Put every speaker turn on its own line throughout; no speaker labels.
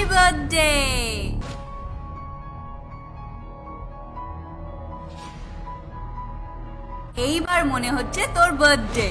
Birthday. এইবার মনে হচ্ছে তোর বার্থডে।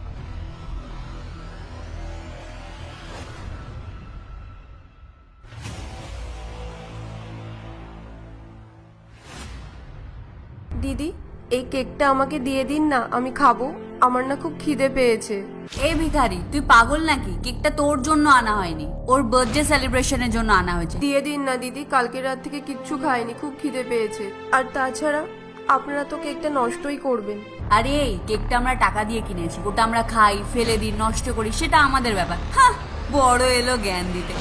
দিদি, এই কেকটা আমাকে দিয়ে দিন না, আমি খাবো। আমার না খুব খিদে পেয়েছে।
এই ভিখারি, তুই পাগল নাকি? কেকটা তোর জন্য আনা হয়নি, ওর বার্থডে সেলিব্রেশনের জন্য আনা হয়েছে।
দিয়ে দিন না দিদি, কালকে রাত থেকে কিচ্ছু খাইনি, খুব খিদে পেয়েছে। আর তাছাড়া আপনারা তো কেকটা নষ্টই করবেন।
আরে এই কেকটা আমরা টাকা দিয়ে কিনেছি, ওটা আমরা খাই, ফেলে দিই, নষ্ট করি, সেটা আমাদের ব্যাপার। হ্যাঁ, বড় এলো জ্ঞান দিতে।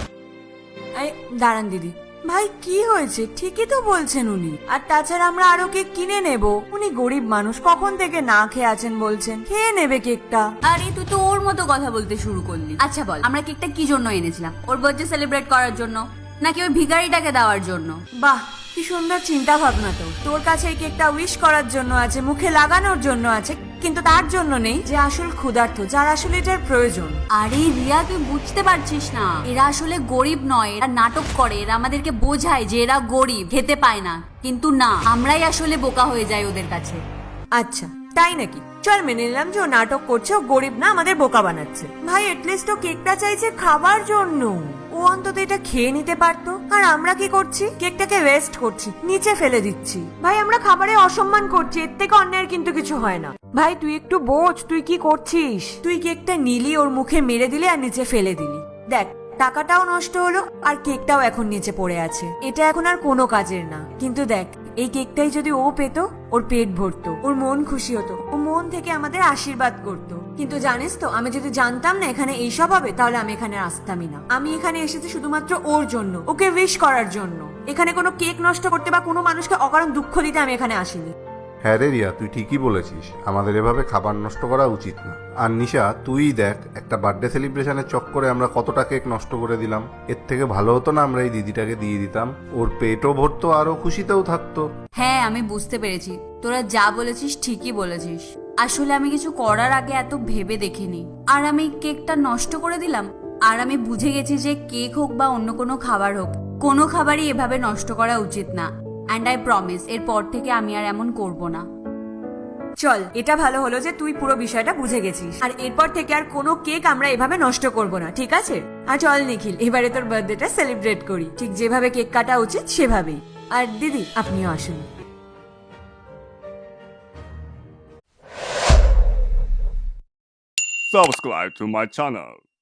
দাঁড়ান দিদি, ভাই কি হয়েছে? ঠিকই তো বলছেন উনি। আর তাছাড়া আমরা আরো কেক কিনে নেব। উনি গরিব মানুষ, কখন থেকে না খেয়ে আছেন বলছেন, খেয়ে নেবে কেকটা।
আরে তুই তো ওর মতো কথা বলতে শুরু করলি। আচ্ছা বল, আমরা কেকটা কি জন্য এনেছিলাম? ওর বার্থডে সেলিব্রেট করার জন্য, নাকি ওই ভিখারিটাকে দেওয়ার জন্য?
বাহ, কি সুন্দর চিন্তা ভাবনা। তো তোর কাছে এই কেকটা উইশ করার জন্য আছে, মুখে লাগানোর জন্য আছে, কিন্তু তার জন্য নেই যে আসল ক্ষুধার্ত, যার আসলে এটার প্রয়োজন।
আরে রিয়া, তুই বুঝতে পারছিস না, এরা আসলে গরিব নয়, এরা নাটক করে, এরা আমাদেরকে বোঝায় যে এরা গরিব, খেতে পায় না। কিন্তু না, আমরাই আসলে বোকা হয়ে যাই ওদের কাছে।
আচ্ছা তাই নাকি? চল মেনে নিলাম যে ও নাটক করছে, ও গরিব না, আমাদের বোকা বানাচ্ছে। ভাই এটলিস্ট ও কেকটা চাইছে খাবার জন্য, ও অন্তত এটা খেয়ে নিতে পারতো। আর আমরা কি করছি? কেকটাকে ওয়েস্ট করছি, নিচে ফেলে দিচ্ছি। ভাই আমরা খাবারে অসম্মান করছি, এর থেকে অন্যায়ের কিন্তু কিছু হয় না। ভাই তুই একটু বোঝ, তুই কি করছিস? তুই কেকটা নিলি, ওর মুখে মেরে দিলি আর নিচে ফেলে দিলি। দেখ, টাকাটাও নষ্ট হলো আর কেকটাও এখন নিচে পড়ে আছে। এটা এখন আর কোনো কাজের না। কিন্তু দেখ, এই কেকটাই যদি ও পেত, ওর পেট ভরতো, ওর মন খুশি হতো, ও মন থেকে আমাদের আশীর্বাদ করতো। কিন্তু জানিস তো, আমি যদি জানতাম না এখানে এইসব হবে, তাহলে আমি এখানে আসতামই না। আমি এখানে এসেছি শুধুমাত্র ওর জন্য, ওকে উইশ করার জন্য। এখানে কোনো কেক নষ্ট করতে বা কোনো মানুষকে অকারণ দুঃখ দিতে আমি এখানে আসিনি।
হ্যাঁ রে রিয়া, তুই ঠিকই বলেছিস, আমাদের এভাবে খাবার নষ্ট করা উচিত না। আর নিশা, তুই দেখ, একটা বার্থডে সেলিব্রেশনের চক্করে আমরা কতটা কেক নষ্ট করে দিলাম। এর থেকে ভালো হতো না আমরা এই দিদিটাকে দিয়ে দিতাম, ওর পেটও ভরতো আর ও খুশিতেও থাকতো।
হ্যাঁ, আমি বুঝতে পেরেছি, তোরা যা বলেছিস ঠিকই বলেছিস। আসলে আমি কিছু করার আগে এত ভেবে দেখিনি, আর আমি কেকটা নষ্ট করে দিলাম। আর আমি বুঝে গেছি যে কেক হোক বা অন্য কোনো খাবার হোক, কোনো খাবারই এভাবে নষ্ট করা উচিত না। অ্যান্ড আই প্রমিস, এরপর থেকে আমি আর এমন করব না।
চল, এটা ভালো হলো যে তুই পুরো বিষয়টা বুঝে গেছিস। আর এরপর থেকে আর কোনো কেক আমরা এভাবে নষ্ট করব না, ঠিক আছে? আর চল নিখিল, এবারে তোর বার্থডেটা সেলিব্রেট করি, ঠিক যেভাবে কেক কাটা উচিত সেভাবেই। আর দিদি, আপনিও আসুন।
Subscribe to my channel.